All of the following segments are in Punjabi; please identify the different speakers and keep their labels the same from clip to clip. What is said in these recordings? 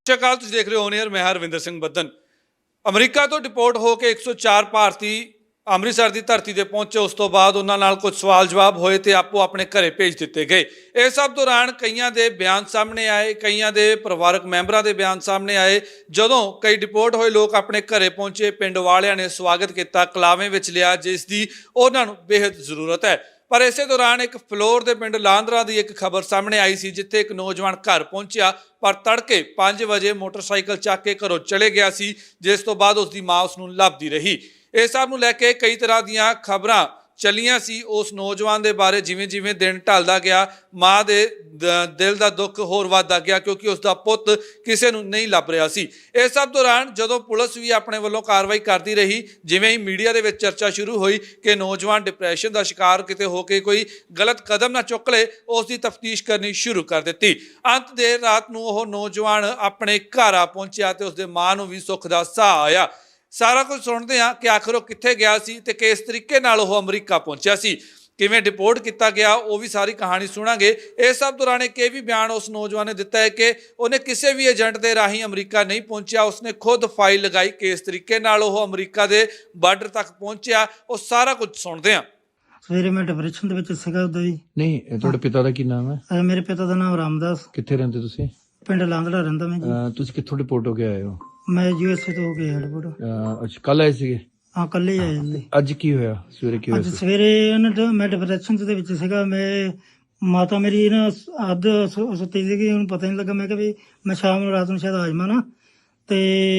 Speaker 1: ਸਤਿ ਸ਼੍ਰੀ ਅਕਾਲ। ਤੁਸੀਂ ਦੇਖ ਰਹੇ ਹੋ ਔਨ 에ਅਰ। ਮੈਂ ਹਰਵਿੰਦਰ ਸਿੰਘ ਬੱਦਨ। ਅਮਰੀਕਾ ਤੋਂ ਡਿਪੋਰਟ ਹੋ ਕੇ 104 ਭਾਰਤੀ ਅੰਮ੍ਰਿਤਸਰ ਦੀ ਧਰਤੀ ਤੇ ਪਹੁੰਚੇ। ਉਸ ਤੋਂ ਬਾਅਦ ਉਹਨਾਂ ਨਾਲ ਕੁਝ ਸਵਾਲ ਜਵਾਬ ਹੋਏ ਤੇ ਆਪੋ ਆਪਣੇ ਘਰੇ ਭੇਜ ਦਿੱਤੇ ਗਏ। ਇਸ ਸਭ ਦੌਰਾਨ ਕਈਆਂ ਦੇ ਬਿਆਨ ਸਾਹਮਣੇ ਆਏ, ਕਈਆਂ ਦੇ ਪਰਿਵਾਰਕ ਮੈਂਬਰਾਂ ਦੇ ਬਿਆਨ ਸਾਹਮਣੇ ਆਏ। ਜਦੋਂ ਕਈ ਡਿਪੋਰਟ ਹੋਏ ਲੋਕ ਆਪਣੇ ਘਰੇ ਪਹੁੰਚੇ, ਪਿੰਡ ਵਾਲਿਆਂ ਨੇ ਸਵਾਗਤ ਕੀਤਾ, ਕਲਾਵੇਂ ਵਿੱਚ ਲਿਆ, ਜਿਸ ਦੀ ਉਹਨਾਂ ਨੂੰ ਬੇਹੱਦ ਜ਼ਰੂਰਤ ਹੈ। ਪਰ ਇਸੇ ਦੌਰਾਨ ਇੱਕ ਫਲੋਰ ਦੇ ਪਿੰਡ ਲਾਂਦਰਾ ਦੀ ਇੱਕ ਖਬਰ ਸਾਹਮਣੇ ਆਈ ਸੀ, ਜਿੱਥੇ ਇੱਕ ਨੌਜਵਾਨ ਘਰ ਪਹੁੰਚਿਆ ਪਰ ਤੜਕੇ 5 ਵਜੇ ਮੋਟਰਸਾਈਕਲ ਚੱਕ ਕੇ ਘਰੋਂ ਚਲੇ ਗਿਆ ਸੀ, ਜਿਸ ਤੋਂ ਬਾਅਦ ਉਸ ਦੀ ਮਾਂ ਉਸ ਨੂੰ ਲੱਭਦੀ ਰਹੀ। ਇਸ ਸਭ ਨੂੰ ਲੈ ਕੇ ਕਈ ਤਰ੍ਹਾਂ ਦੀਆਂ ਖਬਰਾਂ ਚੱਲੀਆਂ ਸੀ ਉਸ ਨੌਜਵਾਨ ਦੇ ਬਾਰੇ। ਜਿਵੇਂ ਜਿਵੇਂ ਦਿਨ ਢਲਦਾ ਗਿਆ, ਮਾਂ ਦੇ ਦਿਲ ਦਾ ਦੁੱਖ ਹੋਰ ਵੱਧਦਾ ਗਿਆ, ਕਿਉਂਕਿ ਉਸ ਦਾ ਪੁੱਤ ਕਿਸੇ ਨੂੰ ਨਹੀਂ ਲੱਭ ਰਿਹਾ ਸੀ। ਇਸ ਸਭ ਦੌਰਾਨ ਜਦੋਂ ਪੁਲਿਸ ਵੀ ਆਪਣੇ ਵੱਲੋਂ ਕਾਰਵਾਈ ਕਰਦੀ ਰਹੀ, ਜਿਵੇਂ ਹੀ ਮੀਡੀਆ ਦੇ ਵਿੱਚ ਚਰਚਾ ਸ਼ੁਰੂ ਹੋਈ ਕਿ ਨੌਜਵਾਨ ਡਿਪਰੈਸ਼ਨ ਦਾ ਸ਼ਿਕਾਰ ਕਿਤੇ ਹੋ ਕੇ ਕੋਈ ਗਲਤ ਕਦਮ ਨਾ ਚੁੱਕ ਲਏ, ਉਸ ਦੀ ਤਫਤੀਸ਼ ਕਰਨੀ ਸ਼ੁਰੂ ਕਰ ਦਿੱਤੀ। ਅੰਤ ਦੇਰ ਰਾਤ ਨੂੰ ਉਹ ਨੌਜਵਾਨ ਆਪਣੇ ਘਰ ਆ ਪਹੁੰਚਿਆ ਤੇ ਉਸਦੇ ਮਾਂ ਨੂੰ ਵੀ ਸੁੱਖ ਦਾ ਸਾਹ ਆਇਆ। ਸਾਰਾ ਕੁਝ ਸੁਣਦੇ ਹਾਂ ਕਿ ਆਖਰ ਉਹ ਕਿੱਥੇ ਗਿਆ ਸੀ ਤੇ ਕਿਸ ਤਰੀਕੇ ਨਾਲ ਉਹ ਅਮਰੀਕਾ ਪਹੁੰਚਿਆ ਸੀ, ਕਿਵੇਂ ਡਿਪੋਰਟ ਕੀਤਾ ਗਿਆ, ਉਹ ਵੀ ਸਾਰੀ ਕਹਾਣੀ ਸੁਣਾਂਗੇ। ਇਸ ਸਭ ਦੌਰਾਨ ਇੱਕ ਇਹ ਵੀ ਬਿਆਨ ਉਸ ਨੌਜਵਾਨ ਨੇ ਦਿੱਤਾ ਹੈ ਕਿ ਉਹਨੇ ਕਿਸੇ ਵੀ ਏਜੰਟ ਦੇ ਰਾਹੀਂ ਅਮਰੀਕਾ ਨਹੀਂ ਪਹੁੰਚਿਆ, ਉਸਨੇ ਖੁਦ ਫਾਈਲ ਲਗਾਈ। ਕਿਸ ਤਰੀਕੇ ਨਾਲ ਉਹ ਅਮਰੀਕਾ ਦੇ ਬਾਰਡਰ ਤੱਕ ਪਹੁੰਚਿਆ, ਉਹ ਸਾਰਾ ਕੁਝ ਸੁਣਦੇ ਹਾਂ।
Speaker 2: ਸਵੇਰੇ ਮੈਂ ਡਿਪਰੈਸ਼ਨ ਦੇ ਵਿੱਚ ਸੀਗਾ ਉਦੋਂ ਹੀ।
Speaker 3: ਨਹੀਂ, ਤੁਹਾਡੇ ਪਿਤਾ ਦਾ ਕੀ ਨਾਮ ਹੈ?
Speaker 2: ਮੇਰੇ ਪਿਤਾ ਦਾ ਨਾਮ ਰਾਮਦਾਸ।
Speaker 3: ਕਿੱਥੇ ਰਹਿੰਦੇ ਤੁਸੀਂ?
Speaker 2: ਪਿੰਡ ਲਾਂਦੜਾ ਰਹਿੰਦਾ ਮੈਂ ਜੀ।
Speaker 3: ਤੁਸੀਂ ਕਿੱਥੋਂ ਰਿਪੋਰਟ ਹੋ ਕੇ ਆਏ ਹੋ?
Speaker 2: ਮੈਂ ਯੂਐਸਏ ਤੋਂ ਹੋ ਕੇ 에어ਪੋਰਟ।
Speaker 3: ਅੱਛਾ, ਕੱਲ ਆਏ ਸੀਗੇ?
Speaker 2: ਹਾਂ, ਕੱਲੇ ਆਏ ਜੀ।
Speaker 3: ਅੱਜ ਕੀ ਹੋਇਆ? ਸਵੇਰੇ ਕੀ
Speaker 2: ਅੱਜ
Speaker 3: ਹੋਇਆ?
Speaker 2: ਸਵੇਰੇ ਮੈਂ ਡਿਪਰੈਸ਼ਨ ਦੇ ਵਿੱਚ ਸੀਗਾ। ਮੈਂ ਮਾਤਾ ਮੇਰੀ ਨਾ ਅੱਧ ਸੁੱਤੀ ਸੀਗੀ, ਉਹਨੂੰ ਪਤਾ ਨਹੀਂ ਲੱਗਾ। ਮੈਂ ਕਿਹਾ ਵੀ ਮੈਂ ਸ਼ਾਮ ਨੂੰ ਰਾਤ ਨੂੰ ਸ਼ਾਇਦ ਆ ਜਾਵਾਂ ਨਾ ਤੇ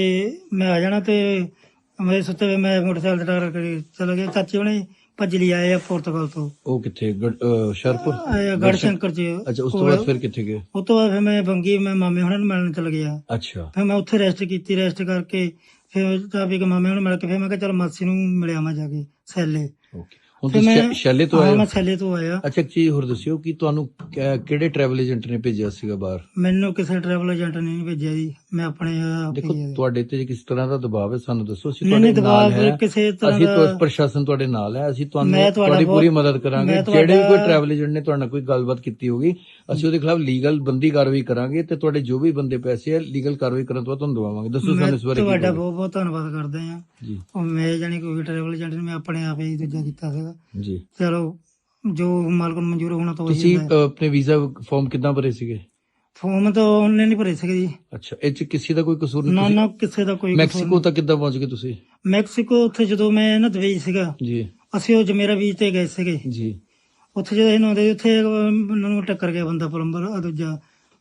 Speaker 2: ਮੈਂ ਆ ਜਾਣਾ। ਤੇ ਮੇਰੇ ਸੁੱਤੇ ਹੋਏ ਮੈਂ ਮੋਟਰਸਾਈਕਲ ਤੇ ਟਾਰ ਕੇ ਚਲਾ ਗਿਆ। ਚਾਚੇ ਹੁਣੇ ਭੱਜ ਲਈ ਆਏ ਆ ਪੁਰਤਗਾਲ ਤੋਂ।
Speaker 3: ਉਹ ਕਿੱਥੇ? ਸ਼ਰਪੁਰ?
Speaker 2: ਗੜਸ਼ੰਕਰ ਚ।
Speaker 3: ਅੱਛਾ, ਉਸ ਤੋਂ ਬਾਅਦ ਫਿਰ ਕਿੱਥੇ ਗਏ?
Speaker 2: ਉਸ ਤੋਂ ਬਾਅਦ ਫਿਰ ਮੈਂ ਬੰਗੀ ਮੈਂ ਮਾਮੇ ਹੁਣਾਂ ਨੂੰ ਮਿਲਣ ਚਲ ਗਿਆ।
Speaker 3: ਅੱਛਾ,
Speaker 2: ਫਿਰ ਮੈਂ ਉੱਥੇ ਰੈਸਟ ਕੀਤੀ। ਰੈਸਟ ਕਰਕੇ ਫਿਰ ਚਾਬੀ ਕੇ ਮਾਮੇ ਨੂੰ ਮਿਲ ਕੇ ਫਿਰ ਮੈਂ ਕਿਹਾ ਚਲ ਮਾਸੀ ਨੂੰ ਮਿਲਿਆ ਮੈਂ ਜਾ ਕੇ ਸੈਲੇ।
Speaker 3: ਓਕੇ। ਹੁਣ ਤੁਸੀਂ ਸ਼ੈਲੇ ਤੋਂ ਆਏ ਹੋ?
Speaker 2: ਮੈਂ ਸੈਲੇ ਤੋਂ ਆਇਆ।
Speaker 3: ਅੱਛਾ, ਇੱਕ ਚੀਜ਼ ਹੋਰ ਦੱਸਿਓ ਕਿ ਤੁਹਾਨੂੰ ਕਿਹੜੇ ਟਰੈਵਲ ਏਜੰਟ ਨੇ ਭੇਜਿਆ ਸੀਗਾ ਬਾਹਰ?
Speaker 2: ਮੈਨੂੰ ਕਿਸੇ ਟਰੈਵਲ ਏਜੰਟ ਨੇ ਨਹੀਂ ਭੇਜਿਆ ਜੀ, ਮੈਂ ਆਪਣੇ ਆਪ
Speaker 3: ਦੇਖੋ,
Speaker 2: ਹੀ
Speaker 3: ਤੁਹਾਡੇ ਤੇ ਕਿਸ ਤਰ੍ਹਾਂ ਦਾ ਦਬਾਅ ਹੈ ਸਾਨੂੰ ਦੱਸੋ। ਅਸੀਂ
Speaker 2: ਨਹੀਂ
Speaker 3: ਤੁਹਾਡੇ ਨਾਲ
Speaker 2: ਦਬਾਅ
Speaker 3: ਹੈ,
Speaker 2: ਕਿਸੇ ਤਰ੍ਹਾਂ
Speaker 3: ਅਸੀਂ
Speaker 2: ਦਾ।
Speaker 3: ਪ੍ਰਸ਼ਾਸਨ ਤੁਹਾਡੇ ਨਾਲ ਹੈ, ਅਸੀਂ
Speaker 2: ਮੈਂ
Speaker 3: ਤੁਹਾਨੂੰ
Speaker 2: ਤੁਹਾਡਾ
Speaker 3: ਤੁਹਾਡੀ ਪੂਰੀ
Speaker 2: ਬਹੁਤ-
Speaker 3: ਮਦਦ ਕਰਾਂਗੇ।
Speaker 2: ਮੈਂ
Speaker 3: ਜਿਹੜੇ ਵੀ ਕੋਈ
Speaker 2: ਤੁਹਾਡਾ-
Speaker 3: ਟਰੈਵਲ ਏਜੰਟ ਨੇ ਤੁਹਾਡੇ ਨਾਲ ਕੋਈ ਗੱਲਬਾਤ ਕੀਤੀ ਹੋਗੀ, ਅਸੀਂ ਉਹਦੇ ਖਿਲਾਫ ਲੀਗਲ ਬੰਦੀ ਕਾਰਵਾਈ ਕਰਾਂਗੇ ਤੇ ਤੁਹਾਡੇ ਜੋ ਵੀ ਬੰਦੇ ਪੈਸੇ ਆ ਲੀਗਲ ਕਾਰਵਾਈ ਕਰਨ ਤੋਂ ਬਾਅਦ ਤੁਹਾਨੂੰ ਦਵਾਵਾਂਗੇ। ਦੱਸੋ
Speaker 2: ਮੈਂ
Speaker 3: ਸਾਨੂੰ ਇਸ ਬਾਰੇ ਕੀ
Speaker 2: ਤੁਹਾਡਾ
Speaker 3: ਕਹੋਗੇ?
Speaker 2: ਬਹੁਤ ਬਹੁਤ ਧੰਨਵਾਦ ਕਰਦੇ ਆ
Speaker 3: ਜੀ
Speaker 2: ਮੈਂ ਜਾਨੀ ਕੋਈ ਟਰੈਵਲ ਏਜੰਟ ਨੇ ਮੈਂ ਆਪਣੇ ਆਪ ਹੀ ਦੂਜਾ ਕੀਤਾ ਸੀਗਾ।
Speaker 3: ਜੀ।
Speaker 2: ਚਲੋ ਜੋ ਮਾਲਕ ਨੂੰ ਮਨਜ਼ੂਰ ਹੋਣਾ ਤਾਂ
Speaker 3: ਤੁਸੀਂ
Speaker 2: ਉਹੀ ਹੁੰਦਾ।
Speaker 3: ਆਪਣੇ ਵੀਜ਼ਾ ਫਾਰਮ ਕਿੱਦਾਂ ਭਰੇ ਸੀਗੇ?
Speaker 2: ਫੋਰਮ ਤਾਂ ਆਨਲਾਈਨ ਹੀ ਭਰੇ ਸੀਗੇ ਜੀ।
Speaker 3: ਅੱਛਾ, ਇਹ ਚ ਕਿਸੇ ਦਾ ਕੋਈ ਕਸੂਰ
Speaker 2: ਨਾ
Speaker 3: ਨਹੀਂ?
Speaker 2: ਨਾ ਕਿਸੇ ਦਾ ਕੋਈ
Speaker 3: ਮੈਕਸੀਕੋ ਤੱਕ ਕਿੱਦਾਂ ਪਹੁੰਚ ਗਏ ਤੁਸੀਂ?
Speaker 2: ਮੈਕਸੀਕੋ ਉੱਥੇ ਜਦੋਂ ਮੈਂ ਨਾ ਦੁਬਈ ਸੀਗਾ,
Speaker 3: ਜੀ
Speaker 2: ਅਸੀਂ ਉਹ ਜਮੇਰਾ ਬੀਚ ਤੇ ਗਏ ਸੀਗੇ।
Speaker 3: ਜੀ।
Speaker 2: ਉੱਥੇ ਜਦੋਂ ਇਹਨਾਂ ਦੇ ਉੱਥੇ ਉਹਨਾਂ ਨੂੰ ਟੱਕਰ ਗਿਆ ਬੰਦਾ ਪਲੰਬਰ, ਦੂਜਾ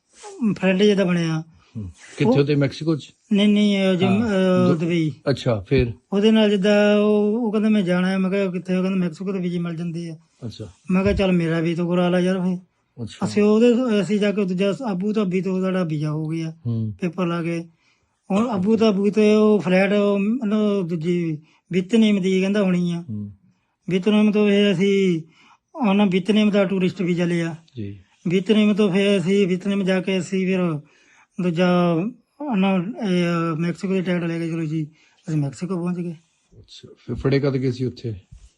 Speaker 2: ਫਰੈਂਡ ਜਿਹਦਾ ਬਣਿਆ।
Speaker 3: ਕਿੱਥੇ ਹੋਤੇ? ਮੈਕਸੀਕੋ ਚ?
Speaker 2: ਨਹੀਂ ਦੁਬਈ।
Speaker 3: ਅੱਛਾ, ਫਿਰ?
Speaker 2: ਉਹਦੇ ਨਾਲ ਜਿੱਦਾਂ ਉਹ ਕਹਿੰਦਾ ਮੈਂ ਜਾਣਾ ਹੈ। ਮੈਂ ਕਿਹਾ ਕਿੱਥੇ? ਉਹ ਕਹਿੰਦਾ ਮੈਕਸੀਕੋ ਦੇ ਵੀਜ਼ੇ ਮਿਲ ਜਾਂਦੇ ਆ।
Speaker 3: ਅੱਛਾ
Speaker 2: ਮੈਂ ਕਿਹਾ ਚੱਲ ਮੇਰਾ ਵੀ ਤਾਂ ਕਰਾ ਲਾ ਯਾਰ। ਫਿਰ
Speaker 3: ਅੱਛਾ।
Speaker 2: ਅਸੀਂ ਜਾ ਕੇ ਦੂਜਾ ਆਬੂ ਧਾਬੀ ਤੋਂ ਸਾਡਾ ਵੀਜ਼ਾ ਹੋ ਗਿਆ, ਪੇਪਰ ਲਾ ਕੇ। ਹੁਣ ਆਬੂ ਧਾਬੀ ਤੇ ਉਹ ਫਲੈਟ ਦੂਜੀ ਵਿਤਨੇਮ ਦੀ ਕਹਿੰਦਾ ਹੋਣੀ ਆ। ਵਿਤਨੇਮ ਤੋਂ ਫਿਰ ਅਸੀਂ ਉਹਨਾਂ ਵਿਤਨੇਮ ਦਾ ਟੂਰਿਸਟ ਵੀਜ਼ਾ ਲਿਆ
Speaker 3: ਜੀ।
Speaker 2: ਵਿਤਨੇਮ ਤੋਂ ਫਿਰ ਅਸੀਂ ਵਿਤਨੇਮ ਜਾ ਕੇ ਅਸੀਂ ਫਿਰ ਦੂਜਾ ਮੈਕਸੀਕੋ ਦੀ ਟਿਕਟ ਲੈ ਕੇ ਚਲੋ ਜੀ ਅਸੀਂ ਮੈਕਸੀਕੋ ਪਹੁੰਚ ਗਏ।
Speaker 3: ਅੱਛਾ, ਫਿਰ ਫੜੇ ਕਦ ਗਏ ਸੀ ਉੱਥੇ?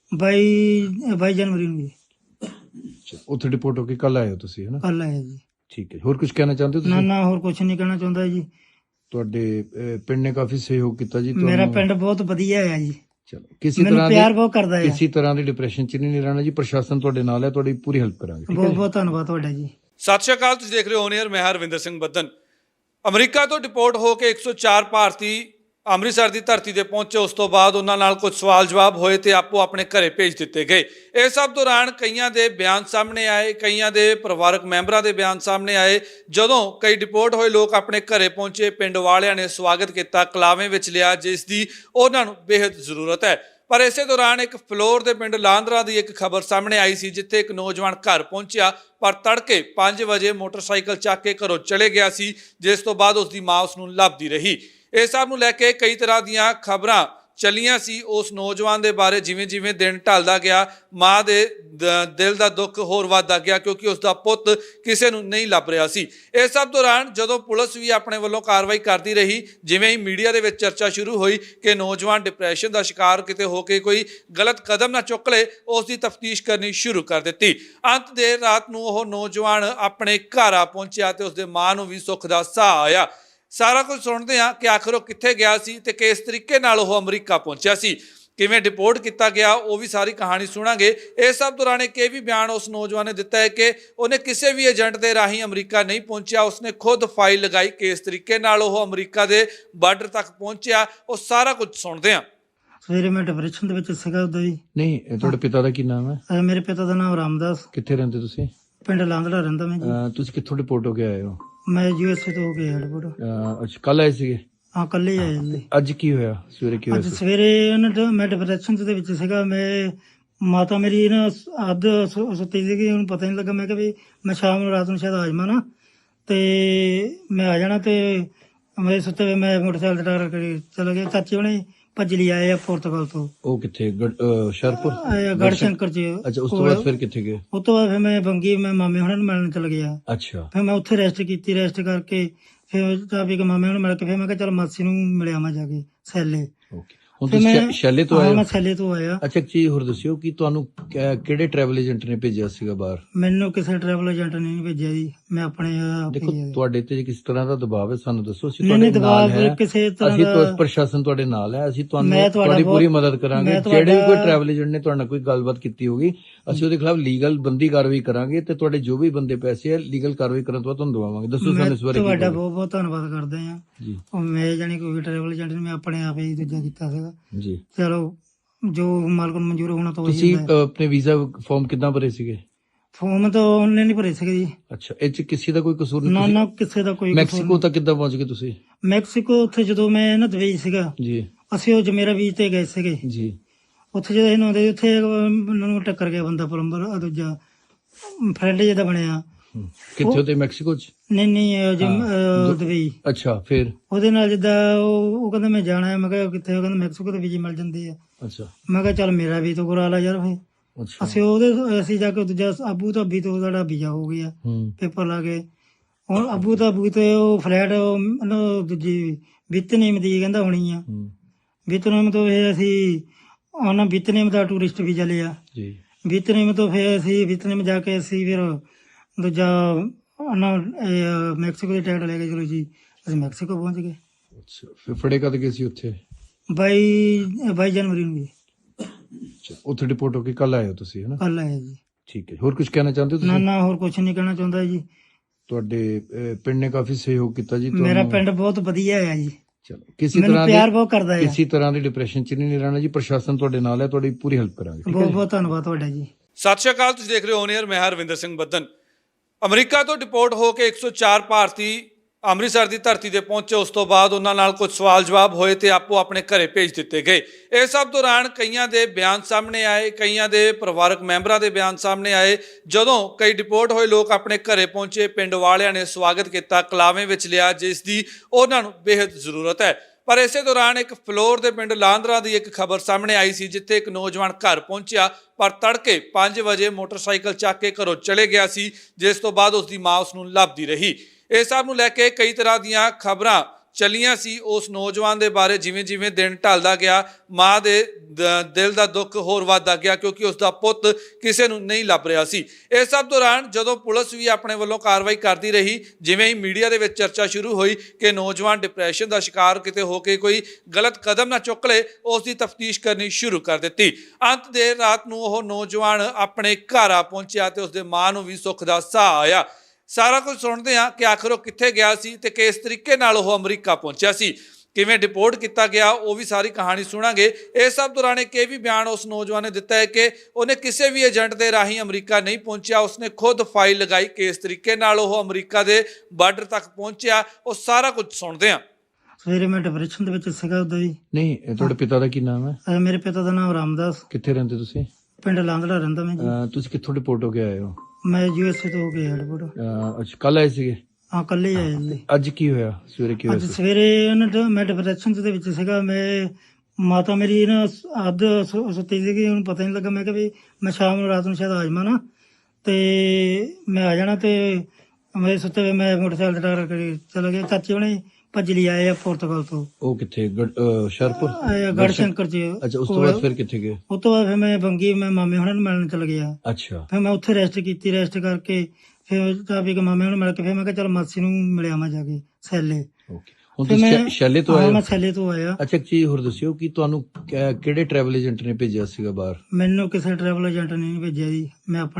Speaker 2: 22 ਜਨਵਰੀ ਨੂੰ ਜੀ।
Speaker 3: ਉੱਥੇ ਰਿਪੋਰਟ ਹੋ ਕੇ ਕੱਲ ਆਏ ਹੋ ਤੁਸੀਂ, ਹੈ ਨਾ?
Speaker 2: ਕੱਲ ਆਇਆ ਜੀ।
Speaker 3: ਠੀਕ ਹੈ। ਹੋਰ ਕੁਝ ਕਹਿਣਾ ਚਾਹੁੰਦੇ ਹੋ
Speaker 2: ਨਾ
Speaker 3: ਤੁਸੀਂ?
Speaker 2: ਨਾ ਹੋਰ ਕੁਝ ਨਹੀਂ ਕਹਿਣਾ ਚਾਹੁੰਦਾ ਜੀ।
Speaker 3: ਤੁਹਾਡੇ ਪਿੰਡ ਨੇ ਕਾਫੀ ਸਹਿਯੋਗ ਕੀਤਾ ਜੀ
Speaker 2: ਮੇਰਾ
Speaker 3: ਤੁਹਾਨੂੰ।
Speaker 2: ਪਿੰਡ ਬਹੁਤ ਵਧੀਆ ਹੈ ਜੀ,
Speaker 3: ਚਲੋ, ਕਿਸੇ
Speaker 2: ਮੈਨੂੰ
Speaker 3: ਤਰ੍ਹਾਂ
Speaker 2: ਪਿਆਰ
Speaker 3: ਦੀ
Speaker 2: ਬਹੁਤ ਕਰਦਾ ਹੈ।
Speaker 3: ਕਿਸੇ ਤਰ੍ਹਾਂ ਦੀ ਡਿਪਰੈਸ਼ਨ ਚ ਨਹੀਂ ਰਹਿਣਾ ਜੀ। ਪ੍ਰਸ਼ਾਸਨ ਤੁਹਾਡੇ ਨਾਲ ਹੈ, ਤੁਹਾਡੀ ਪੂਰੀ ਹੈਲਪ ਕਰਾਂਗੇ। ਠੀਕ ਹੈ
Speaker 2: ਬਹੁਤ
Speaker 3: ਜੀ?
Speaker 2: ਬਹੁਤ ਧੰਨਵਾਦ ਤੁਹਾਡਾ ਜੀ।
Speaker 1: ਸਤਿ ਸ਼੍ਰੀ ਅਕਾਲ। ਤੁਸੀਂ ਦੇਖ ਰਹੇ ਹੋ ਔਨ 에ਅਰ। ਮੈਂ ਹਰਵਿੰਦਰ ਸਿੰਘ ਬੱਦਨ। ਅਮਰੀਕਾ ਤੋਂ ਡਿਪੋਰਟ ਹੋ ਕੇ 104 ਭਾਰਤੀ ਅੰਮ੍ਰਿਤਸਰ ਦੀ ਧਰਤੀ ਤੇ ਪਹੁੰਚੇ। ਉਸ ਤੋਂ ਬਾਅਦ ਉਹਨਾਂ ਨਾਲ ਕੁਝ ਸਵਾਲ ਜਵਾਬ ਹੋਏ ਤੇ ਆਪੋ ਆਪਣੇ ਘਰੇ ਭੇਜ ਦਿੱਤੇ ਗਏ। ਇਸ ਸਭ ਦੌਰਾਨ ਕਈਆਂ ਦੇ ਬਿਆਨ ਸਾਹਮਣੇ ਆਏ, ਕਈਆਂ ਦੇ ਪਰਿਵਾਰਕ ਮੈਂਬਰਾਂ ਦੇ ਬਿਆਨ ਸਾਹਮਣੇ ਆਏ। ਜਦੋਂ ਕਈ ਡਿਪੋਰਟ ਹੋਏ ਲੋਕ ਆਪਣੇ ਘਰੇ ਪਹੁੰਚੇ, ਪਿੰਡ ਵਾਲਿਆਂ ਨੇ ਸਵਾਗਤ ਕੀਤਾ, ਕਲਾਵੇਂ ਵਿੱਚ ਲਿਆ, ਜਿਸ ਦੀ ਉਹਨਾਂ ਨੂੰ ਬੇਹੱਦ ਜ਼ਰੂਰਤ ਹੈ। ਪਰ ਇਸੇ ਦੌਰਾਨ ਇੱਕ ਫਲੋਰ ਦੇ ਪਿੰਡ ਲਾਂਦਰਾ ਦੀ ਇੱਕ ਖਬਰ ਸਾਹਮਣੇ ਆਈ ਸੀ, ਜਿੱਥੇ ਇੱਕ ਨੌਜਵਾਨ ਘਰ ਪਹੁੰਚਿਆ ਪਰ ਤੜਕੇ 5 ਵਜੇ ਮੋਟਰਸਾਈਕਲ ਚੱਕ ਕੇ ਘਰੋਂ ਚਲੇ ਗਿਆ ਸੀ, ਜਿਸ ਤੋਂ ਬਾਅਦ ਉਸ ਦੀ ਮਾਂ ਉਸ ਨੂੰ ਲੱਭਦੀ ਰਹੀ। ਇਸ ਸਭ ਨੂੰ ਲੈ ਕੇ ਕਈ ਤਰ੍ਹਾਂ ਦੀਆਂ ਖਬਰਾਂ ਚੱਲੀਆਂ ਸੀ ਉਸ ਨੌਜਵਾਨ ਦੇ ਬਾਰੇ। ਜਿਵੇਂ ਜਿਵੇਂ ਦਿਨ ਢਲਦਾ ਗਿਆ, ਮਾਂ ਦੇ ਦਿਲ ਦਾ ਦੁੱਖ ਹੋਰ ਵੱਧਦਾ ਗਿਆ, ਕਿਉਂਕਿ ਉਸ ਦਾ ਪੁੱਤ ਕਿਸੇ ਨੂੰ ਨਹੀਂ ਲੱਭ ਰਿਹਾ ਸੀ। ਇਸ ਸਭ ਦੌਰਾਨ ਜਦੋਂ ਪੁਲਿਸ ਵੀ ਆਪਣੇ ਵੱਲੋਂ ਕਾਰਵਾਈ ਕਰਦੀ ਰਹੀ, ਜਿਵੇਂ ਹੀ ਮੀਡੀਆ ਦੇ ਵਿੱਚ ਚਰਚਾ ਸ਼ੁਰੂ ਹੋਈ ਕਿ ਨੌਜਵਾਨ ਡਿਪਰੈਸ਼ਨ ਦਾ ਸ਼ਿਕਾਰ ਕਿਤੇ ਹੋ ਕੇ ਕੋਈ ਗਲਤ ਕਦਮ ਨਾ ਚੁੱਕ ਲਏ, ਉਸ ਦੀ ਤਫਤੀਸ਼ ਕਰਨੀ ਸ਼ੁਰੂ ਕਰ ਦਿੱਤੀ। ਅੰਤ ਦੇਰ ਰਾਤ ਨੂੰ ਉਹ ਨੌਜਵਾਨ ਆਪਣੇ ਘਰ ਆ ਪਹੁੰਚਿਆ ਤੇ ਉਸਦੇ ਮਾਂ ਨੂੰ ਵੀ ਸੁੱਖ ਦਾ ਸਾਹ ਆਇਆ। ਸਾਰਾ ਕੁਝ ਸੁਣਦੇ ਹਾਂ ਕਿ ਆਖਰ ਉਹ ਕਿੱਥੇ ਗਿਆ ਸੀ ਤੇ ਕਿਸ ਤਰੀਕੇ ਨਾਲ ਉਹ ਅਮਰੀਕਾ ਪਹੁੰਚਿਆ ਸੀ, ਕਿਵੇਂ ਡਿਪੋਰਟ ਕੀਤਾ ਗਿਆ, ਉਹ ਵੀ ਸਾਰੀ ਕਹਾਣੀ ਸੁਣਾਂਗੇ। ਇਸ ਸਭ ਦੌਰਾਨ ਇੱਕ ਇਹ ਵੀ ਬਿਆਨ ਉਸ ਨੌਜਵਾਨ ਨੇ ਦਿੱਤਾ ਹੈ ਕਿ ਉਹਨੇ ਕਿਸੇ ਵੀ ਏਜੰਟ ਦੇ ਰਾਹੀਂ ਅਮਰੀਕਾ ਨਹੀਂ ਪਹੁੰਚਿਆ, ਉਸਨੇ ਖੁਦ ਫਾਈਲ ਲਗਾਈ, ਕਿਸ ਤਰੀਕੇ ਨਾਲ ਉਹ ਅਮਰੀਕਾ ਦੇ ਬਾਰਡਰ ਤੱਕ ਪਹੁੰਚਿਆ, ਉਹ ਸਾਰਾ ਕੁਝ ਸੁਣਦੇ ਹਾਂ।
Speaker 2: ਸਵੇਰੇ ਮੈਂ ਡਿਪਰੈਸ਼ਨ ਦੇ ਵਿੱਚ ਸੀਗਾ ਉਦੋਂ ਹੀ।
Speaker 3: ਨਹੀਂ, ਤੁਹਾਡੇ ਪਿਤਾ ਦਾ ਕੀ ਨਾਮ ਹੈ?
Speaker 2: ਮੇਰੇ ਪਿਤਾ ਦਾ ਨਾਮ ਰਾਮਦਾਸ,
Speaker 3: ਕਿੱਥੇ ਰਹਿੰਦੇ ਤੁਸੀਂ?
Speaker 2: ਪਿੰਡ ਲਾਂਦੜਾ ਰਹਿੰਦਾ ਮੈਂ ਜੀ।
Speaker 3: ਤੁਸੀਂ ਕਿੱਥੋਂ ਰਿਪੋਰਟ ਹੋ ਕੇ ਆਏ ਹੋ?
Speaker 2: ਮੈਂ USA ਤੋਂ ਹੋ ਕੇ 에어ਪੋਰਟ।
Speaker 3: ਅੱਛਾ, ਕੱਲ ਆਏ ਸੀਗੇ?
Speaker 2: ਹਾਂ, ਕੱਲੇ ਹੀ ਆਏ ਜੀ।
Speaker 3: ਅੱਜ ਕੀ ਹੋਇਆ? ਸਵੇਰੇ ਕੀ ਹੋਇਆ
Speaker 2: ਅੱਜ
Speaker 3: ਸੀ?
Speaker 2: ਸਵੇਰੇ ਮੈਂ ਡਿਪਰੈਸ਼ਨ ਦੇ ਵਿੱਚ ਸੀਗਾ। ਮੈਂ ਮਾਤਾ ਮੇਰੀ ਨਾ ਅੱਧ ਸੁੱਤੀ ਸੀਗੀ, ਉਹਨੂੰ ਪਤਾ ਨਹੀਂ ਲੱਗਾ। ਮੈਂ ਕਿਹਾ ਵੀ ਮੈਂ ਸ਼ਾਮ ਨੂੰ ਰਾਤ ਨੂੰ ਸ਼ਾਇਦ ਆ ਜਾਵਾਂ ਨਾ, ਤੇ ਮੈਂ ਆ ਜਾਣਾ। ਤੇ ਮੇਰੇ ਸੁੱਤੇ ਹੋਏ ਮੈਂ ਮੋਟਰਸਾਈਕਲ ਤੇ ਟਾਰ ਕੇ ਚਲਾ ਗਿਆ। ਚਾਚੇ ਹੁਣੇ ਭੱਜ ਲਈ ਆਏ ਆ ਪੁਰਤਗਾਲ ਤੋਂ।
Speaker 3: ਉਹ ਕਿੱਥੇ? ਸ਼ਰਪੁਰ?
Speaker 2: ਗੜਸ਼ੰਕਰ ਚ।
Speaker 3: ਅੱਛਾ, ਉਸ ਤੋਂ ਬਾਅਦ ਫਿਰ ਕਿੱਥੇ ਗਏ?
Speaker 2: ਉਸ ਤੋਂ ਬਾਅਦ ਫਿਰ ਮੈਂ ਬੰਗੀ ਮੈਂ ਮਾਮੇ ਹੁਣਾਂ ਨੂੰ ਮਿਲਣ ਚਲ ਗਿਆ।
Speaker 3: ਅੱਛਾ,
Speaker 2: ਫਿਰ ਮੈਂ ਉੱਥੇ ਰੈਸਟ ਕੀਤੀ। ਰੈਸਟ ਕਰਕੇ ਫਿਰ ਚਾਹ ਪੀ ਕੇ ਮਾਮੇ ਨੂੰ ਮਿਲ ਕੇ ਫਿਰ ਮੈਂ ਕਿਹਾ ਚੱਲ ਮਾਸੀ ਨੂੰ ਮਿਲਿਆ ਮੈਂ ਜਾ ਕੇ ਸੈਲੇ।
Speaker 3: ਓਕੇ। ਹੁਣ
Speaker 2: ਫਿਰ
Speaker 3: ਤੁਸੀਂ
Speaker 2: ਮੈਂ
Speaker 3: ਸ਼ੈਲੇ ਤੋਂ ਆਏ
Speaker 2: ਹਾਂ,
Speaker 3: ਹੋ?
Speaker 2: ਮੈਂ ਸੈਲੇ ਤੋਂ ਆਇਆ।
Speaker 3: ਅੱਛਾ, ਇੱਕ ਚੀਜ਼ ਹੋਰ ਦੱਸਿਓ ਕਿ ਤੁਹਾਨੂੰ ਕਿਹੜੇ ਟਰੈਵਲ ਏਜੰਟ ਨੇ ਭੇਜਿਆ ਸੀਗਾ ਬਾਹਰ?
Speaker 2: ਮੈਨੂੰ ਕਿਸੇ ਟਰੈਵਲ ਏਜੰਟ ਨੇ ਨਹੀਂ ਭੇਜਿਆ ਜੀ, ਮੈਂ ਆਪਣੇ ਆਪ
Speaker 3: ਦੇਖੋ,
Speaker 2: ਭੇਜਿਆ ਜੀ।
Speaker 3: ਤੁਹਾਡੇ ਤੇ ਜੇ ਕਿਸੇ ਤਰ੍ਹਾਂ ਦਾ ਦਬਾਅ ਹੈ ਸਾਨੂੰ ਦੱਸੋ, ਅਸੀਂ
Speaker 2: ਨਹੀਂ, ਨਹੀਂ,
Speaker 3: ਤੁਹਾਡੇ ਨਾਲ
Speaker 2: ਦਬਾਅ
Speaker 3: ਹੈ।
Speaker 2: ਕਿਸੇ ਤਰ੍ਹਾਂ
Speaker 3: ਅਸੀਂ
Speaker 2: ਦਾ
Speaker 3: ਪ੍ਰਸ਼ਾਸਨ ਤੁਹਾਡੇ ਨਾਲ ਹੈ। ਅਸੀਂ
Speaker 2: ਮੈਂ
Speaker 3: ਤੁਹਾਨੂੰ
Speaker 2: ਤੁਹਾਡਾ
Speaker 3: ਤੁਹਾਡੀ ਪੂਰੀ
Speaker 2: ਬਹੁਤ-
Speaker 3: ਮਦਦ ਕਰਾਂਗੇ।
Speaker 2: ਮੈਂ
Speaker 3: ਜਿਹੜੇ ਵੀ ਕੋਈ
Speaker 2: ਤੁਹਾਡਾ-
Speaker 3: ਟਰੈਵਲ ਏਜੰਟ ਨੇ ਤੁਹਾਡੇ ਨਾਲ ਕੋਈ ਗੱਲਬਾਤ ਕੀਤੀ ਹੋਗੀ, ਅਸੀਂ ਉਹਦੇ ਖਿਲਾਫ ਲੀਗਲ ਬੰਦੀ ਕਾਰਵਾਈ ਕਰਾਂਗੇ ਤੇ ਤੁਹਾਡੇ ਜੋ ਵੀ ਬੰਦੇ ਪੈਸੇ ਹੈ ਲੀਗਲ ਕਾਰਵਾਈ ਕਰਨ ਤੋਂ ਬਾਅਦ ਤੁਹਾਨੂੰ ਦਵਾਵਾਂਗੇ। ਦੱਸੋ
Speaker 2: ਮੈਂ
Speaker 3: ਸਾਨੂੰ ਇਸ ਬਾਰੇ ਕੀ
Speaker 2: ਤੁਹਾਡਾ
Speaker 3: ਬੋਲੋ।
Speaker 2: ਬਹੁਤ ਬਹੁਤ ਧੰਨਵਾਦ ਕਰਦੇ ਆ।
Speaker 3: ਜੀ
Speaker 2: ਮੈਂ ਜਾਨੀ ਕੋਈ ਟਰੈਵਲ ਏਜੰਟ ਨੇ, ਮੈਂ ਆਪਣੇ ਆਪ ਹੀ ਦੂਜਾ ਕੀਤਾ ਸੀਗਾ।
Speaker 3: ਜੀ।
Speaker 2: ਚਲੋ, ਜੋ ਮਾਲਕ ਨੂੰ ਮਨਜ਼ੂਰ ਹੋਣਾ ਤਾਂ ਉਹੀ
Speaker 3: ਤੁਸੀਂ
Speaker 2: ਹੁੰਦਾ ਹੈ।
Speaker 3: ਆਪਣੇ ਵੀਜ਼ਾ ਫਾਰਮ ਕਿੱਦਾਂ ਭਰੇ ਸੀਗੇ?
Speaker 2: ਫੋਰਮ ਤਾਂ ਆਨਲਾਈਨ ਹੀ ਭਰੇ ਸੀਗੇ ਜੀ।
Speaker 3: ਅੱਛਾ, ਇਹ ਚ ਕਿਸੇ ਦਾ ਕੋਈ ਕਸੂਰ
Speaker 2: ਨਾ
Speaker 3: ਨਹੀਂ?
Speaker 2: ਨਾ, ਕਿਸੇ ਦਾ ਕੋਈ ਕਸੂਰ
Speaker 3: ਮੈਕਸੀਕੋ ਤੱਕ ਕਿੱਦਾਂ ਪਹੁੰਚ ਗਏ ਤੁਸੀਂ?
Speaker 2: ਨਹੀਂ। ਮੈਕਸੀਕੋ ਉੱਥੇ ਜਦੋਂ ਮੈਂ ਨਾ ਦੁਬਈ ਸੀਗਾ,
Speaker 3: ਜੀ
Speaker 2: ਅਸੀਂ ਉਹ ਜਮੇਰਾ ਬੀਚ ਤੇ ਗਏ ਸੀਗੇ।
Speaker 3: ਜੀ।
Speaker 2: ਉੱਥੇ ਜਦੋਂ ਅਸੀਂ ਨਹਾਉਂਦੇ ਉੱਥੇ ਉਹਨਾਂ ਨੂੰ ਟੱਕਰ ਗਿਆ ਬੰਦਾ ਪਲੰਬਰ, ਦੂਜਾ ਫਰੈਂਡ ਜਿਹਦਾ ਬਣਿਆ।
Speaker 3: ਕਿੱਥੇ ਹੋਤੇ? ਮੈਕਸੀਕੋ ਚ?
Speaker 2: ਨਹੀਂ ਨਹੀਂ,
Speaker 3: ਹਾਂ,
Speaker 2: ਦੁਬਈ।
Speaker 3: ਅੱਛਾ, ਫਿਰ?
Speaker 2: ਉਹਦੇ ਨਾਲ ਜਿੱਦਾਂ ਉਹ ਕਹਿੰਦਾ ਮੈਂ ਜਾਣਾ ਹੈ। ਮੈਂ ਕਿਹਾ ਕਿੱਥੇ? ਉਹ ਕਹਿੰਦਾ ਮੈਕਸੀਕੋ ਦੇ ਵੀਜ਼ੇ ਮਿਲ ਜਾਂਦੇ ਆ।
Speaker 3: ਅੱਛਾ
Speaker 2: ਮੈਂ ਕਿਹਾ ਚੱਲ ਮੇਰਾ ਵੀ ਤਾਂ ਕਰਾ ਲਾ ਯਾਰ। ਫਿਰ
Speaker 3: ਅੱਛਾ।
Speaker 2: ਅਸੀਂ ਜਾ ਕੇ ਦੂਜਾ ਆਬੂ ਧਾਬੀ ਤੋਂ ਸਾਡਾ ਵੀਜ਼ਾ ਹੋ ਗਿਆ,
Speaker 3: ਹੂੰ
Speaker 2: ਪੇਪਰ ਲਾ ਕੇ। ਹੁਣ ਆਬੂ ਧਾਬੀ ਤੇ ਉਹ ਫਲੈਟ ਦੂਜੀ ਵਿਤਨੇਮ ਦੀ ਕਹਿੰਦਾ ਹੋਣੀ ਆ।
Speaker 3: ਹੂੰ
Speaker 2: ਵਿਤਨੇਮ ਤੋਂ ਫਿਰ ਅਸੀਂ ਉਹਨਾਂ ਵਿਤਨੇਮ ਦਾ ਟੂਰਿਸਟ ਵੀਜ਼ਾ ਲਿਆ।
Speaker 3: ਜੀ।
Speaker 2: ਵਿਤਨੇਮ ਤੋਂ ਫਿਰ ਅਸੀਂ ਵਿਤਨੇਮ ਜਾ ਕੇ ਅਸੀਂ ਫਿਰ ਦੂਜਾ ਮੈਕਸੀਕੋ ਦੀ ਟਿਕਟ ਲੈ ਕੇ ਚਲੋ ਜੀ, ਅਸੀਂ ਮੈਕਸੀਕੋ ਪਹੁੰਚ ਗਏ।
Speaker 3: ਅੱਛਾ, ਫਿਰ ਫੜੇ ਕਦ ਗਏ ਸੀ ਉੱਥੇ?
Speaker 2: 22 ਜਨਵਰੀ ਨੂੰ ਜੀ।
Speaker 3: ਅੱਛਾ, ਉੱਥੇ ਰਿਪੋਰਟ ਹੋ ਕੇ ਕੱਲ ਆਏ ਹੋ ਤੁਸੀਂ, ਹੈ ਨਾ?
Speaker 2: ਕੱਲ ਆਇਆ ਜੀ।
Speaker 3: ਠੀਕ ਹੈ। ਹੋਰ ਕੁਝ ਕਹਿਣਾ ਚਾਹੁੰਦੇ ਹੋ
Speaker 2: ਨਾ
Speaker 3: ਤੁਸੀਂ?
Speaker 2: ਨਾ, ਹੋਰ ਕੁਝ ਨਹੀਂ ਕਹਿਣਾ ਚਾਹੁੰਦਾ ਜੀ।
Speaker 3: ਤੁਹਾਡੇ ਪਿੰਡ ਨੇ ਕਾਫੀ ਸਹਿਯੋਗ ਕੀਤਾ ਜੀ
Speaker 2: ਮੇਰਾ
Speaker 3: ਤੁਹਾਨੂੰ।
Speaker 2: ਪਿੰਡ ਬਹੁਤ ਵਧੀਆ ਹੈ ਜੀ,
Speaker 3: ਚਲੋ, ਕਿਸੇ
Speaker 2: ਮੈਨੂੰ
Speaker 3: ਤਰ੍ਹਾਂ
Speaker 2: ਪਿਆਰ
Speaker 3: ਦੀ
Speaker 2: ਬਹੁਤ ਕਰਦਾ ਹੈ।
Speaker 3: ਕਿਸੇ ਤਰ੍ਹਾਂ ਦੀ ਡਿਪਰੈਸ਼ਨ ਚ ਨਹੀਂ ਰਹਿਣਾ ਜੀ। ਪ੍ਰਸ਼ਾਸਨ ਤੁਹਾਡੇ ਨਾਲ ਹੈ, ਤੁਹਾਡੀ ਪੂਰੀ ਹੈਲਪ ਕਰਾਂਗੇ। ਠੀਕ ਹੈ
Speaker 2: ਬਹੁਤ
Speaker 3: ਜੀ?
Speaker 2: ਬਹੁਤ ਧੰਨਵਾਦ ਤੁਹਾਡਾ ਜੀ।
Speaker 1: ਸਤਿ ਸ਼੍ਰੀ ਅਕਾਲ, ਤੁਸੀਂ ਦੇਖ ਰਹੇ ਹੋ ਔਨ 에ਅਰ। ਮੈਂ ਹਰਵਿੰਦਰ ਸਿੰਘ ਬੱਦਨ। ਅਮਰੀਕਾ ਤੋਂ ਡਿਪੋਰਟ ਹੋ ਕੇ 104 ਭਾਰਤੀ ਅੰਮ੍ਰਿਤਸਰ ਦੀ ਧਰਤੀ ਤੇ ਪਹੁੰਚੇ। ਉਸ ਤੋਂ ਬਾਅਦ ਉਹਨਾਂ ਨਾਲ ਕੁਝ ਸਵਾਲ ਜਵਾਬ ਹੋਏ ਤੇ ਆਪੋ ਆਪਣੇ ਘਰੇ ਭੇਜ ਦਿੱਤੇ ਗਏ। ਇਸ ਸਭ ਦੌਰਾਨ ਕਈਆਂ ਦੇ ਬਿਆਨ ਸਾਹਮਣੇ ਆਏ, ਕਈਆਂ ਦੇ ਪਰਿਵਾਰਕ ਮੈਂਬਰਾਂ ਦੇ ਬਿਆਨ ਸਾਹਮਣੇ ਆਏ। ਜਦੋਂ ਕਈ ਡਿਪੋਰਟ ਹੋਏ ਲੋਕ ਆਪਣੇ ਘਰੇ ਪਹੁੰਚੇ, ਪਿੰਡ ਵਾਲਿਆਂ ਨੇ ਸਵਾਗਤ ਕੀਤਾ, ਕਲਾਵੇਂ ਵਿੱਚ ਲਿਆ, ਜਿਸ ਦੀ ਉਹਨਾਂ ਨੂੰ ਬੇਹੱਦ ਜ਼ਰੂਰਤ ਹੈ। ਪਰ ਇਸੇ ਦੌਰਾਨ ਇੱਕ ਫਲੋਰ ਦੇ ਪਿੰਡ ਲਾਂਦਰਾ ਦੀ ਇੱਕ ਖਬਰ ਸਾਹਮਣੇ ਆਈ ਸੀ, ਜਿੱਥੇ ਇੱਕ ਨੌਜਵਾਨ ਘਰ ਪਹੁੰਚਿਆ ਪਰ ਤੜਕੇ 5 ਵਜੇ ਮੋਟਰਸਾਈਕਲ ਚੱਕ ਕੇ ਘਰੋਂ ਚਲੇ ਗਿਆ ਸੀ, ਜਿਸ ਤੋਂ ਬਾਅਦ ਉਸ ਦੀ ਮਾਂ ਉਸ ਨੂੰ ਲੱਭਦੀ ਰਹੀ। ਇਸ ਸਭ ਨੂੰ ਲੈ ਕੇ ਕਈ ਤਰ੍ਹਾਂ ਦੀਆਂ ਖਬਰਾਂ ਚੱਲੀਆਂ ਸੀ ਉਸ ਨੌਜਵਾਨ ਦੇ ਬਾਰੇ। ਜਿਵੇਂ ਜਿਵੇਂ ਦਿਨ ਢਲਦਾ ਗਿਆ, ਮਾਂ ਦੇ ਦਿਲ ਦਾ ਦੁੱਖ ਹੋਰ ਵੱਧਦਾ ਗਿਆ, ਕਿਉਂਕਿ ਉਸ ਦਾ ਪੁੱਤ ਕਿਸੇ ਨੂੰ ਨਹੀਂ ਲੱਭ ਰਿਹਾ ਸੀ। ਇਸ ਸਭ ਦੌਰਾਨ ਜਦੋਂ ਪੁਲਿਸ ਵੀ ਆਪਣੇ ਵੱਲੋਂ ਕਾਰਵਾਈ ਕਰਦੀ ਰਹੀ, ਜਿਵੇਂ ਹੀ ਮੀਡੀਆ ਦੇ ਵਿੱਚ ਚਰਚਾ ਸ਼ੁਰੂ ਹੋਈ ਕਿ ਨੌਜਵਾਨ ਡਿਪਰੈਸ਼ਨ ਦਾ ਸ਼ਿਕਾਰ ਕਿਤੇ ਹੋ ਕੇ ਕੋਈ ਗਲਤ ਕਦਮ ਨਾ ਚੁੱਕ ਲਏ, ਉਸ ਦੀ ਤਫਤੀਸ਼ ਕਰਨੀ ਸ਼ੁਰੂ ਕਰ ਦਿੱਤੀ। ਅੰਤ ਦੇਰ ਰਾਤ ਨੂੰ ਉਹ ਨੌਜਵਾਨ ਆਪਣੇ ਘਰ ਆ ਪਹੁੰਚਿਆ ਤੇ ਉਸਦੇ ਮਾਂ ਨੂੰ ਵੀ ਸੁੱਖ ਦਾ ਸਾਹ ਆਇਆ। ਸਾਰਾ ਕੁਝ ਸੁਣਦੇ ਹਾਂ ਕਿ ਆਖਰ ਉਹ ਕਿੱਥੇ ਗਿਆ ਸੀ ਤੇ ਕਿਸ ਤਰੀਕੇ ਨਾਲ ਉਹ ਅਮਰੀਕਾ ਪਹੁੰਚਿਆ ਸੀ, ਕਿਵੇਂ ਡਿਪੋਰਟ ਕੀਤਾ ਗਿਆ, ਉਹ ਵੀ ਸਾਰੀ ਕਹਾਣੀ ਸੁਣਾਂਗੇ। ਇਸ ਸਭ ਦੌਰਾਨ ਇੱਕ ਇਹ ਵੀ ਬਿਆਨ ਉਸ ਨੌਜਵਾਨ ਨੇ ਦਿੱਤਾ ਹੈ ਕਿ ਉਹਨੇ ਕਿਸੇ ਵੀ ਏਜੰਟ ਦੇ ਰਾਹੀਂ ਅਮਰੀਕਾ ਨਹੀਂ ਪਹੁੰਚਿਆ, ਉਸਨੇ ਖੁਦ ਫਾਈਲ ਲਗਾਈ, ਕਿਸ ਤਰੀਕੇ ਨਾਲ ਉਹ ਅਮਰੀਕਾ ਦੇ ਬਾਰਡਰ ਤੱਕ ਪਹੁੰਚਿਆ, ਉਹ ਸਾਰਾ ਕੁਝ ਸੁਣਦੇ ਹਾਂ।
Speaker 2: ਸਵੇਰੇ ਮੈਂ ਡਿਪਰੈਸ਼ਨ ਦੇ ਵਿੱਚ ਸੀਗਾ ਉਦੋਂ ਹੀ।
Speaker 3: ਨਹੀਂ, ਤੁਹਾਡੇ ਪਿਤਾ ਦਾ ਕੀ ਨਾਮ ਹੈ?
Speaker 2: ਮੇਰੇ ਪਿਤਾ ਦਾ ਨਾਮ ਰਾਮਦਾਸ,
Speaker 3: ਕਿੱਥੇ ਰਹਿੰਦੇ ਤੁਸੀਂ?
Speaker 2: ਪਿੰਡ ਲਾਂਦੜਾ ਰਹਿੰਦਾ ਮੈਂ ਜੀ।
Speaker 3: ਤੁਸੀਂ ਕਿੱਥੋਂ ਰਿਪੋਰਟ ਹੋ ਕੇ ਆਏ ਹੋ?
Speaker 2: ਮੈਂ USA ਤੋਂ ਹੋ ਕੇ 에어ਪੋਰਟ।
Speaker 3: ਅੱਛਾ, ਕੱਲ ਆਏ ਸੀਗੇ?
Speaker 2: ਹਾਂ, ਕੱਲੇ ਹੀ ਆਏ ਜੀ।
Speaker 3: ਅੱਜ ਕੀ ਹੋਇਆ? ਸਵੇਰੇ ਕੀ ਹੋਇਆ
Speaker 2: ਅੱਜ
Speaker 3: ਸੀ?
Speaker 2: ਸਵੇਰੇ ਮੈਂ ਡਿਪਰੈਸ਼ਨ ਦੇ ਵਿੱਚ ਸੀਗਾ। ਮੈਂ ਮਾਤਾ ਮੇਰੀ ਨਾ ਅੱਧ ਸੁੱਤੀ ਸੀਗੀ, ਉਹਨੂੰ ਪਤਾ ਨਹੀਂ ਲੱਗਾ। ਮੈਂ ਕਿਹਾ ਵੀ ਮੈਂ ਸ਼ਾਮ ਨੂੰ ਰਾਤ ਨੂੰ ਸ਼ਾਇਦ ਆ ਜਾਵਾਂ ਨਾ, ਤੇ ਮੈਂ ਆ ਜਾਣਾ। ਤੇ ਮੇਰੇ ਸੁੱਤੇ ਹੋਏ ਮੈਂ ਮੋਟਰਸਾਈਕਲ ਤੇ ਟਾਰ ਕੇ ਚਲਾ ਗਿਆ। ਚਾਚੇ ਹੁਣੇ ਭੱਜ ਲਈ ਆਏ ਆ ਪੁਰਤਗਾਲ ਤੋਂ।
Speaker 3: ਉਹ ਕਿੱਥੇ? ਸ਼ਰਪੁਰ?
Speaker 2: ਗੜਸ਼ੰਕਰ ਚ।
Speaker 3: ਅੱਛਾ, ਉਸ ਤੋਂ ਬਾਅਦ ਫਿਰ ਕਿੱਥੇ ਗਏ?
Speaker 2: ਉਸ ਤੋਂ ਬਾਅਦ ਫਿਰ ਮੈਂ ਬੰਗੀ ਮੈਂ ਮਾਮੇ ਹੁਣਾਂ ਨੂੰ ਮਿਲਣ ਚਲ ਗਿਆ।
Speaker 3: ਅੱਛਾ।
Speaker 2: ਫਿਰ ਮੈਂ ਉੱਥੇ ਰੈਸਟ ਕੀਤੀ। ਰੈਸਟ ਕਰਕੇ ਫਿਰ ਚਾਹ ਪੀ ਕੇ ਮਾਮੇ ਨੂੰ ਮਿਲ ਕੇ ਫਿਰ ਮੈਂ ਕਿਹਾ ਚੱਲ ਮਾਸੀ ਨੂੰ ਮਿਲਿਆ ਮੈਂ ਜਾ ਕੇ ਸੈਲੇ।
Speaker 3: ਓਕੇ। ਹੁਣ
Speaker 2: ਤੇ
Speaker 3: ਤੁਸੀਂ ਸ਼ੈਲੇ ਤੋਂ ਆਏ
Speaker 2: ਹਾਂ,
Speaker 3: ਹੋ?
Speaker 2: ਮੈਂ ਛੱਲੇ ਤੋਂ ਆਇਆ।
Speaker 3: ਅੱਛਾ, ਇੱਕ ਚੀਜ਼ ਹੋਰ ਦੱਸਿਓ ਕਿ ਤੁਹਾਨੂੰ ਕਿਹੜੇ ਟਰੈਵਲ ਏਜੰਟ ਨੇ ਭੇਜਿਆ ਸੀਗਾ ਬਾਹਰ?
Speaker 2: ਮੈਨੂੰ ਕਿਸੇ ਟਰੈਵਲ ਏਜੰਟ ਨੇ ਨਹੀਂ ਭੇਜਿਆ ਜੀ, ਮੈਂ